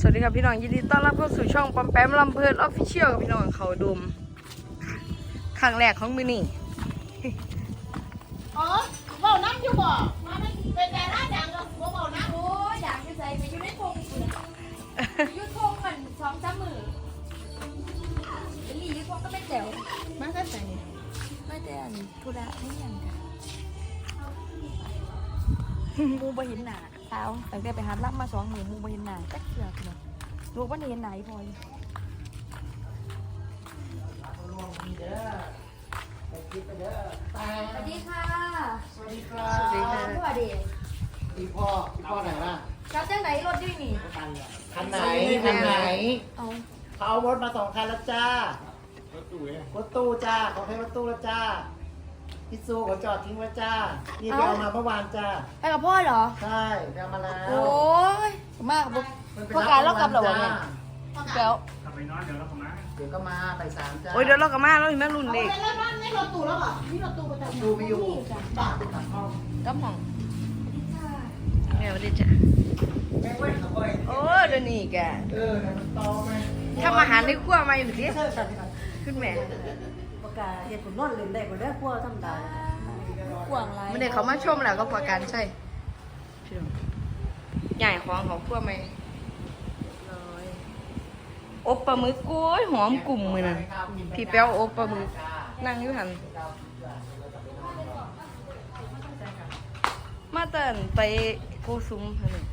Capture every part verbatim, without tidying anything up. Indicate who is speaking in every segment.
Speaker 1: วัสดีครับพี่น้องยินดีต้อนรับเข้าสู่ช่องปอมแปมลำเพลินออฟฟิเชียลกับพี่น้องเขาดุมครั้งแรกของมือนี่
Speaker 2: อ๋อเบาน้ำอยู่บ่มาไม่เป็นแต่ละดังก็บ่เบาน้ำ
Speaker 3: โอ้ยอยากจะใส่ไปอยู่ในทงกูนะอยู่ทงมันสองสามมือไปรีอยู่ทงก็ไม่แจ๋ว
Speaker 2: มาก็ใส่
Speaker 3: ไม่แต่อันธุระไม่ยังค่ะมูบ่เห็นหน้าเท้าตั้งแต่ไปหาลับมาสองหมื่นมูบ่เห็นหน้าจักเกือบเลยลูกว่าเห็นไหนพอย สวัสดีค่ะ
Speaker 2: สวัสดีครั
Speaker 1: สวัสดี
Speaker 2: บ
Speaker 1: ค่ะ
Speaker 3: สวัสดี
Speaker 2: พี่พ่อพี่พ่อไหนล่ะ
Speaker 3: กลับจังไหนรถด้วยนี่
Speaker 2: คันไหนคันไหน
Speaker 3: เอา
Speaker 2: เขาเอารถมาสองคันแล้วจ้า รถตู้รถตู้จ้าเขาให้รถตู้แล้วจ้าพี่ซูเขาจอดทิ้งไว้จ้า นี่ไปเอามาเมื่อวานจ้า
Speaker 3: ไปกับพ่อเหรอ
Speaker 2: ใช่ไปเอามาแล้ว
Speaker 3: โอ้ยมากบุก
Speaker 2: มันไป
Speaker 3: พอการเล่ากลับเหรอวะ
Speaker 2: จ้
Speaker 3: เนี่ยแล้ว
Speaker 4: กลับไปนอนเดี๋ยวเราเข้ามา
Speaker 2: เดี๋ยวก็มาไปสามจ้า
Speaker 1: โอ้ยเดี๋ยวเรากลับมาเราอีกแม่รุ่นเด็ก
Speaker 2: แล้วนั่นนี่รถตู้แล้วเหรอนี่รถตู้ประจำตู้ไม่อยู่บ้าไปตัดห้อง
Speaker 1: ก็มองแม่วันดีจ้ะ
Speaker 2: แม่งเว้ยขับไป
Speaker 1: โอ้เดี๋ยวนี้แก
Speaker 2: เออเดี๋ยวมันโตไหม
Speaker 1: ทำอาหารในครัวมาอยู่ดิขึ้นแม่
Speaker 5: ประกาศเหตุผลนอนเล่นได้ก็ได้พวกธรรมดาก
Speaker 3: วางไร
Speaker 1: ไม่ได้เขามาชมแล้วก็ประกันใช่พี่น้องใหญ่ของของครัวไหมเลยอบปลาหมึกโอ้ยหอมกลุ่มมือนั่นพี่แป้วอบปลาหมึกนั่งอยู่หันมาเตินไปโกซุ้มค่ะนี่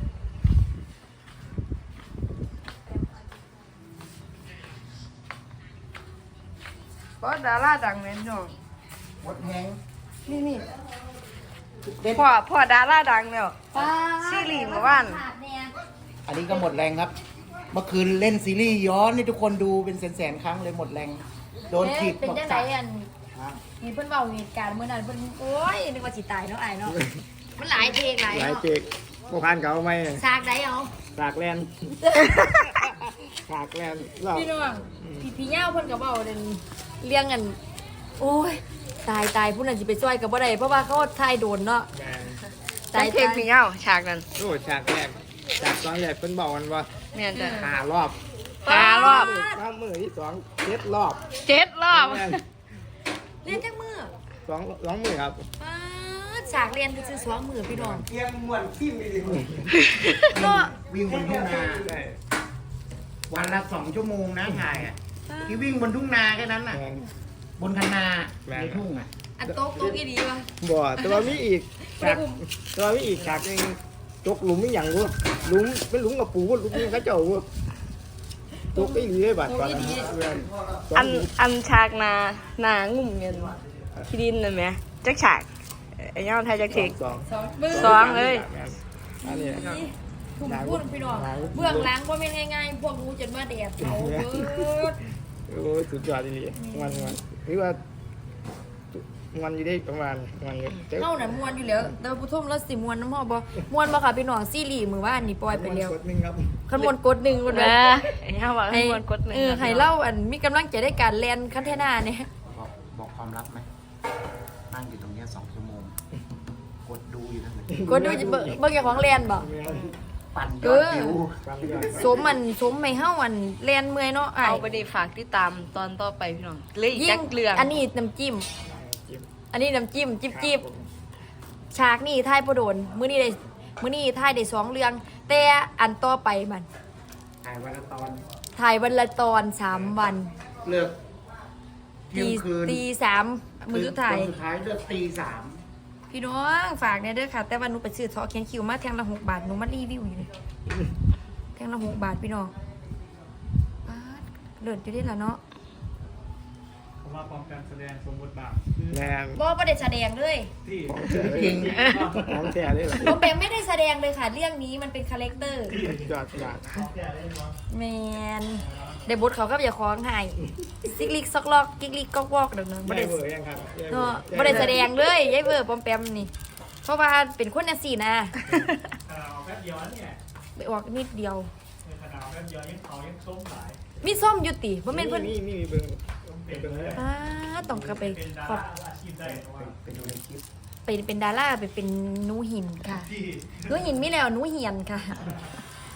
Speaker 1: เพราะดาราดังเนี่ยพี่น้อง
Speaker 2: หมดแหง
Speaker 1: นี่นี่
Speaker 2: เด็ด
Speaker 1: พ่อพ่อดาราดังเนี่ย
Speaker 3: ป้า
Speaker 1: ซีรีส์เมื่อวาน
Speaker 3: ขาดแน่
Speaker 2: อันนี้ก็หมดแรงครับ เมื่อคืนเล่นซีรีส์ย้อนนี่ทุกคนดูเป็นแสนๆครั้งเลยหมดแรง โดนขีด
Speaker 3: เป็น
Speaker 2: บอก
Speaker 3: จังได
Speaker 2: จับ
Speaker 3: อันมีเพิ่นเว้าเหตุการณ์เมื่อนั้นเพิ่นโอ้ยนึกว่าสิตายเนาะอ้ายเนาะมันหลายเพลงหลาย
Speaker 4: หลาย
Speaker 3: เนาะ
Speaker 4: เจกพวกพันเขาไหม
Speaker 3: ฉากใดเอา
Speaker 4: สากแลนสากแลนเรา
Speaker 3: พี่น้องพี่พี่เหย้าเพิ่นก็เว้าเรื่องเรื่องอันโอ้ยตายตายผู้นั้นสิไปช่วยก็บ่ได้เพราะว่าเขาถ่ายโดนเนาะ
Speaker 4: แมน
Speaker 1: ตายเพลงพี่เงาฉากนั้น
Speaker 4: โอ้ฉากแรกฉากตอนแรกเพิ่นบอกกันว่า
Speaker 1: แม่นจ้ะ
Speaker 4: หารอบ
Speaker 1: หารอบ
Speaker 4: น้ำมือที่สองเจ็ดรอบ
Speaker 1: เจ็ดรอบ
Speaker 4: แม่น
Speaker 3: เรียนจักมือ
Speaker 4: สองสองมือครับ
Speaker 3: ป้าดฉากเรียนคือซื้อสองมือพี่น้อง
Speaker 2: เกียงมวนขี้มีดิ
Speaker 3: เนาะ
Speaker 2: วิ่งบนทุ่งนา
Speaker 4: ใช่
Speaker 2: วันละสองชั่วโมงนะถ่ายอ่ะที่วิ่งบนทุ่งนาแค่นั้นน่ะ
Speaker 4: แมน
Speaker 2: บนคันนา
Speaker 4: แม่น
Speaker 2: ในทุ่งอ่ะ
Speaker 3: อันโต๊ะโต๊ะอีดีวะ
Speaker 4: บ่แต่ว่ามีอีกฉากแต่ว่ามีอีกฉากหนึงตกหลุมไม่หยังวะหลุมเป็นหลุมกับปูวะหลุมนี่เขาเจ้าวะตกอีหลีเลยบาดก่อนนะแม่นสง
Speaker 1: อัน
Speaker 4: หลุม
Speaker 1: อันฉากนาหนางุ่มเงินที่ดินน่ะแหม่จักฉากไอ้เงาไทยจักเทก
Speaker 4: สอง
Speaker 3: สองมือ
Speaker 1: สองเลย
Speaker 4: อันนี้
Speaker 3: ถุงพูดพี่น้องเบื้องหล้างว่าเป็นง่ายๆพวกงูจนว่าแดดเขาเบิด
Speaker 4: โอ้ยสุดยอดจริงๆมันมันหรือว่ามันอยู่ได้ประมาณมันอยู่แต่
Speaker 3: เข้าน่ะมวนอยู่แล้วแต่ว่าผู้ชมแล้วสิมวนน้ำหอบ่มวนบ่ค่ะพี่น้องซีรีส์มือว่าอันนี้ปล่อยไปแล้ว
Speaker 4: กดหนึ่งครับ
Speaker 3: คันมวนกดหนึ่งคน
Speaker 1: แห
Speaker 3: เดี
Speaker 1: ม่
Speaker 3: ยว
Speaker 1: ไอ้เงาว่าให้มวนกดหนึ่ง
Speaker 3: เออให้เล่าอันมีกำลังใจได้การแลนคันเทน่าเนี่ย
Speaker 2: บอกบอกความลับไหมนั่งอยู่ตรงเนี้ยสองชั่วโมง กดดูอยู่นั่นแหละ
Speaker 3: กดดูจะเบิ่งเบิ่งอย่างของแลนบ่
Speaker 2: ปั่นย
Speaker 3: เอ
Speaker 2: อด
Speaker 3: อ
Speaker 2: วิว
Speaker 4: ความยอด
Speaker 3: สมมันสมไม่เฮาอันแลนเมื่อยเนาะอ้า
Speaker 1: เอา
Speaker 3: ย
Speaker 1: ไปดีฝากติดตามตอนต่อไปพี่น้องเหลยอีกจักเรื่อง
Speaker 3: อันนี้น้ำจิ้ม อันนี้น้ำจิ้มจิบจิบฉากนี่ถ่ายประโดนมื้อนี้ได้มื้อนี้ถ่ายได้สองเรื่อง แต่อันต่อไปมัน
Speaker 4: ถ่ายวันละตอน
Speaker 3: ถ่ายวันละตอนสามวัน
Speaker 2: เลิกเที่ย
Speaker 3: ตี
Speaker 2: งคืน
Speaker 3: ตีสามมือสุดท้าย
Speaker 2: วันสุดท้ายเลิกตีสาม
Speaker 3: พี่น้องฝากเนี่ยเด้อค่ะ แต่ว่าหนูไปซื้อทอเขียนคิวมาแทงละหกบาทหนูมารีวิวอยู่เลยแทงละหกบาทพี่น้องป๊าดเลิศอยู่ได้ละเนาะ
Speaker 4: ผมว่าพร้อมการแสดงสมบทบาทแรง
Speaker 3: บ่ประเด็แสดงเลย
Speaker 4: ที่จริงของแท้เลยเหรอ
Speaker 3: ผมแปมไม่ได้แสดงเลยค่ะ เรื่องนี้มันเป็นคาแรคเตอร์
Speaker 4: ยอดยอด
Speaker 3: แมนได้บทเขาก็อย่าคล้องให้ซิกลิกซอกลอกกิกลิกก๊อกวอกเดี๋ยวนั้นบ่
Speaker 4: ไม่
Speaker 3: ได้
Speaker 4: เบอร์ยังครับ
Speaker 3: เนาะบ่ได้แสดงเลยยายเบอร์ปอมแปมนี่ เพราะว่าเป็นคนจังซี่นะ
Speaker 4: ขนาดแป๊บเดียวเนี่ย
Speaker 3: ไปออกนิดเดียว
Speaker 4: ขนาดแป๊บเดียวยังเขายังส้มหลาย
Speaker 3: มีส้มอยู่ติบ่แม่นเพิ่น
Speaker 4: นี่นี่เบิ่งเป็นเบิ่งเลย
Speaker 3: อ้าต้องกลับไปขอบ
Speaker 4: อาชีพได้เพราะว่า
Speaker 2: ไปดูในคลิป
Speaker 3: ไปเป็นดาราไปเป็นหนูหินค่ะหนูหินมีแล้วหนูเหียนค่ะ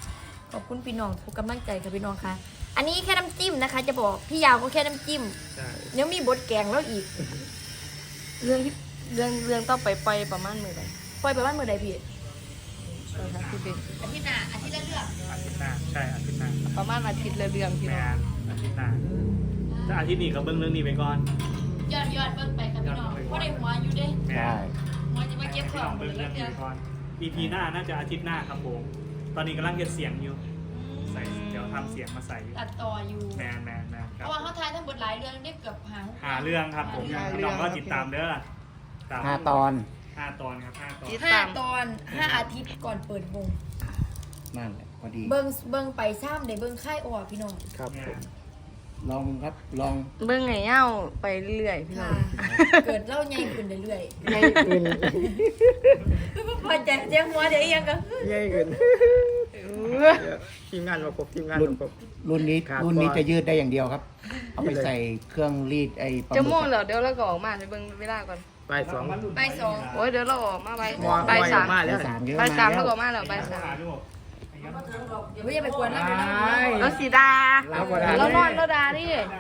Speaker 3: ขอบคุณพี่น้องทุกกำลังใจค่ะพี่น้องค่ะ อันนี้แค่น้ำจิ้มนะคะ จะบอกพี่ยาวก็แค่น้ำจิ้ม
Speaker 4: ใช่
Speaker 3: เดี๋ยวมีบทแกงแล้วอีก
Speaker 1: เรื่องเรื่องเรื่องต้องไปปล่อยประมาณมื้อใด
Speaker 3: ปล่อยไปบ้านเมื่อใดพี่
Speaker 1: เออค่ะพี่เบน
Speaker 3: อาทิตย์หน้าอาทิตย์ละเรื่อง
Speaker 4: อาทิตย์หน้าใช่อาทิตย์หน้า
Speaker 1: ประมาณอาทิตย์ละเรื่องพี่
Speaker 4: แม
Speaker 1: น้อง
Speaker 4: นอาทิตย์หน้าแต่อาทิตย์นี้ก็เบิ่งเรื่องนี้ไปก่อน
Speaker 3: ยอดยอดเบิ่งไปค่ะพี่น้องเพราะได้หัวอยู่เด้
Speaker 4: แม
Speaker 2: ใช่
Speaker 4: น
Speaker 3: หัวจะมาเก็บข
Speaker 4: พี่
Speaker 3: อ
Speaker 4: น้อง ง
Speaker 3: เล
Speaker 4: เบิ่ง
Speaker 3: ย
Speaker 4: เรื่อง
Speaker 3: เดี
Speaker 4: นี้
Speaker 3: ยว
Speaker 4: ไปก่อน อี พี หน้าน่าจะอาทิตย์หน้าครับผมตอนนี้กำลังเก็บเสียงอยู่ใส่เดี๋ยวทำเสียงมาใส่อยู่
Speaker 3: ตัดต่ออยู่
Speaker 4: แมนแมนแมนค
Speaker 3: เพ
Speaker 4: รับ
Speaker 3: ราะว่าเขาทายทั้งบทหลายเรื่องได้เกือบหา
Speaker 4: หาเรื่องครับผมพี่น้องก็ติดตามเด้อตาม
Speaker 2: ห้าตอน
Speaker 4: ห้าตอนครับห้าตอน
Speaker 1: ติด
Speaker 3: ห้า
Speaker 1: ตาม
Speaker 3: ตอนห้าอาทิตย์ก่อนเปิดวง
Speaker 2: นั่นแหละพอดี
Speaker 3: เบิ่งเบิ่งไปซ้ำเดี๋ยวเบิ่งค่ายออกพี่น้อง
Speaker 2: ครับ
Speaker 4: แม
Speaker 2: ผม
Speaker 4: น
Speaker 2: ลองครับลอง
Speaker 1: เบิ่งไงเอ้าไปเรื่อยๆพี่น้อ
Speaker 3: ค่ะ
Speaker 1: ง
Speaker 3: เกิดเล่าใหญ่ขึ้นเรื่อย
Speaker 2: ใหญ่ขึ้น
Speaker 3: ๆพอใจเจ้าหัวเดี๋ยวอีกอยังก็
Speaker 4: ใหญ่ขึ้นทีมงานมาครบทีมงาน
Speaker 2: รุ่น
Speaker 4: มาครบ
Speaker 2: รุ่นนี้
Speaker 4: ขาด
Speaker 2: รุ่นนี้
Speaker 4: ก่อน
Speaker 2: จะยืดได้อย่างเดียวครับ เอาไปใส่เครื่องรีดไอ้ปลาห
Speaker 1: จะ
Speaker 2: มึ
Speaker 1: ม่วง
Speaker 2: ก
Speaker 1: แล้วเดี๋ยวเราก็ออกมาไปเบิ่งเวลาก่อน
Speaker 4: ไปสอง
Speaker 3: ไปสอง
Speaker 1: โอ้ยเดี๋ยวเราออกมาไป
Speaker 4: มอ
Speaker 1: ไปสาม
Speaker 4: มอ
Speaker 2: ไปสามเยอะ
Speaker 1: ไป
Speaker 2: มา
Speaker 1: สาม
Speaker 2: แล้
Speaker 1: แล้ว
Speaker 2: ว
Speaker 1: ก็ออกมาแล้วไปสาม
Speaker 3: เดี๋ยวไม่จะไปกวนแล้วเดี๋ยวนะ
Speaker 1: แล้วสีดา
Speaker 2: รับบ่ได้
Speaker 1: แล้วนอนแล้วดาดิ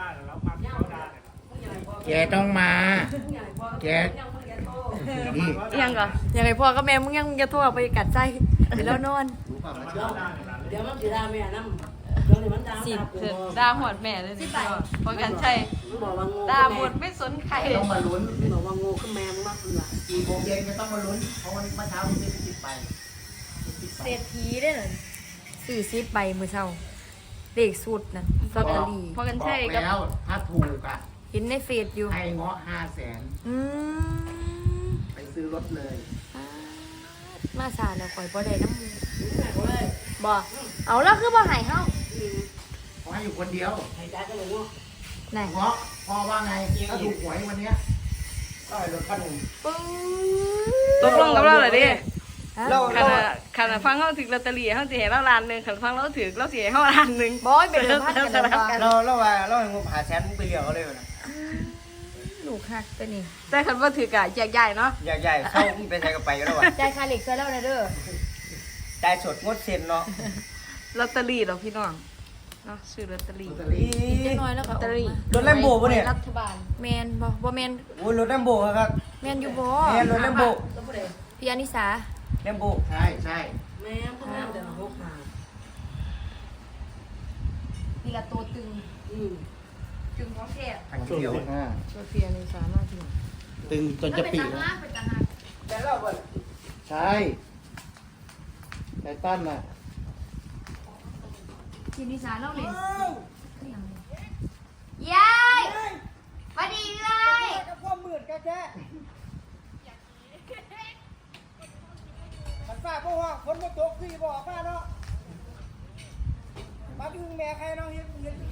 Speaker 2: แกต้องมา แกนี่
Speaker 1: ยังก่อน
Speaker 3: ยังไงพ่อกับแม่มึงยังมึงจะโทรไปกัดใจเดี๋ยวแล้วนอน
Speaker 5: เดี๋ยวมันสิด่าแม่นำเดี๋ยวนี้มันด่า
Speaker 3: สิบ
Speaker 5: กู
Speaker 1: เถิดดาหวดแม่เลยนี่พอกันใช่
Speaker 5: มันบอกว่าโง่
Speaker 1: ดาหมดไม่สนใคร
Speaker 2: ต้องมาลุ้น
Speaker 5: มันบอกว่าโง่คือแม่มึงมากเบื่อ
Speaker 2: กี่โมงเย็นก็ต้องมาลุ้น เพราะวันนี้เมื่อเช้าผมไม่ได้ติดไปติดไป
Speaker 3: เศรษฐีได้เหรอสี่สิบใบมือเช้าเลขสุดนะลอตเตอรี่
Speaker 1: พอกัน
Speaker 2: บอ
Speaker 1: ใช่
Speaker 2: ก
Speaker 1: กับ
Speaker 2: แล้วถ้าถูกอ่ะ
Speaker 3: เห็นในเฟซอยู่
Speaker 2: ให้เงาะห้าแสน
Speaker 3: อืม
Speaker 2: ไปซื้อรถเลย
Speaker 3: มาสาแล้วข่อยบ่ได้น้ำมูบ่เอาแล้วคือบ่ใหายเฮา
Speaker 2: ขอให้อยู่คนเดียว
Speaker 5: ให้จ่ายก็เลยโง่
Speaker 3: ไหน
Speaker 2: เงาะพอว่าไง ถ้าถูกหวยวันเนี้ยก็ให้รถคันหนึ่ง
Speaker 3: ปึ้ง
Speaker 1: ตกลงกับเราเลยดิ
Speaker 3: ฮะ
Speaker 1: ขนาดขนาดฟังเขาถึงลอตเตอรี่เขาสิให้เราล้านหนึ่งขนาดฟังเราถือเราเสียให้เขาล้านหนึ่ง
Speaker 3: บอยเป็นเดิมพันกันแล้วกัน
Speaker 4: เราเราว่าเราให้งบหาแสนมึงไปเลี้ยงเขาเลยนะ
Speaker 3: ลูกหักตัวนี้
Speaker 1: แต่คันว่าถือกะแยกใหญ่เนาะ
Speaker 4: ใหญ่ๆเข้ามึงไปใส่กระไปกันแล้ววะ
Speaker 3: จ่ายค่าเหล็กซะแล้วนะเด้อ
Speaker 4: จ่ายสดงดเซ็นเนาะ
Speaker 1: ลอตเตอรี่เหราพี่น้องเนาะซื้อลอตเตอรี่
Speaker 2: ลอตเตอรี่
Speaker 3: อีกจักหน่อยแล้วก็
Speaker 1: ลอตเตอรี่
Speaker 4: รถแลมโบปะเนี่ย
Speaker 1: รัฐบาล
Speaker 3: แมนบ่บ่แมน
Speaker 4: โอ้ยรถแลมโบครับ
Speaker 3: แมนอยู่บ่
Speaker 4: แม่รถแลมโบ
Speaker 5: แล้วบ่ได้
Speaker 3: พี่อนิสา
Speaker 4: แลมโบ
Speaker 2: ใช่ใช่
Speaker 5: แม่มึงงามแต่ละหกหา
Speaker 3: นี่ละตัวตึง
Speaker 5: อืม
Speaker 3: ตึงของแท้
Speaker 2: ทางเที่ยวห้า
Speaker 1: ตัวเพียในสามารถที่
Speaker 2: ตึงจนจะปี
Speaker 3: แล้ว
Speaker 2: แล้ว
Speaker 3: เป็นตาหัก
Speaker 4: แต่เราบ่
Speaker 2: ใช่ไททันน่ะ
Speaker 3: พี่อนิสาเล่าเลยยายมาดีเลย
Speaker 4: ความมืดแค่มันฟ้าบ่ห้องฝนบ่ตกคือบ่ออกมาเนาะมาดึงแม่ใครเนาะเฮ็ดเฮ็ด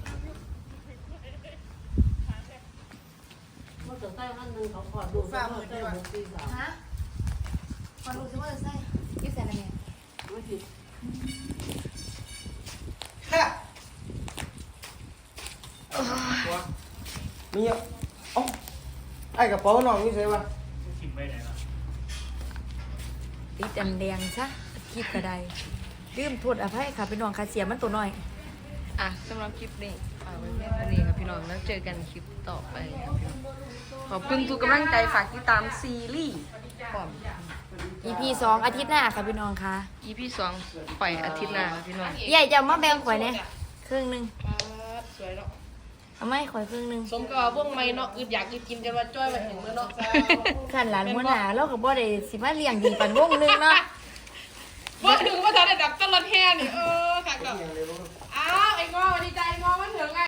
Speaker 5: มันจะใส่อันหนึงเขาขอดูฟ้ามือใส่หกสี่สาม
Speaker 3: ฮะขอรู้สิว่าจะใส่ยี่ใส่อะไรเนี่ย
Speaker 5: ไม่ผิด
Speaker 4: มีอ่ะเอ้าไอ้กระเป๋าน้องนี่ใช่ปะ
Speaker 3: ติดอันแดงซะคิดก็ได้ลืมโทษอภัยค่ะพี่น้องค่ะเสียมันตัวน้อย
Speaker 1: อ่ะสำหรับคลิปนี้ฝากไว้เพียงเท่านี้ครับพี่น้องแล้วเจอกันคลิปต่อไปครับพี่น้องขอบคุณทุกกำลังใจฝากติดตามซีรีส์ก่อน
Speaker 3: อี พี สองอาทิตย์หน้าค่ะพี่น้องค่ะ
Speaker 1: อีพีสองปล่อยอาทิตย์หน้าครับพี่น้อง
Speaker 3: ใหญ่จะเอามาแบ่งข่อยเนี่ยครึ่งหนึง
Speaker 1: สวยเนาะ
Speaker 3: เอาไม่ข่อยครึ่งหนึง
Speaker 1: สมกับพวกไม่เนาะอึดอยากอึดกินกันว่าจ้อยมาถึงเมื่อเนาะ
Speaker 3: ขันหลานหัวหน้าเราก็บ่ได้สิมาเลี้ยงดีปันวงหนึงเนาะ
Speaker 1: ว่าถึงว่าทันได้ดับต้นรถแห่นี่เออค่ะก็อ้าวไอ้งอวันนี้ใจงอมันถึงไง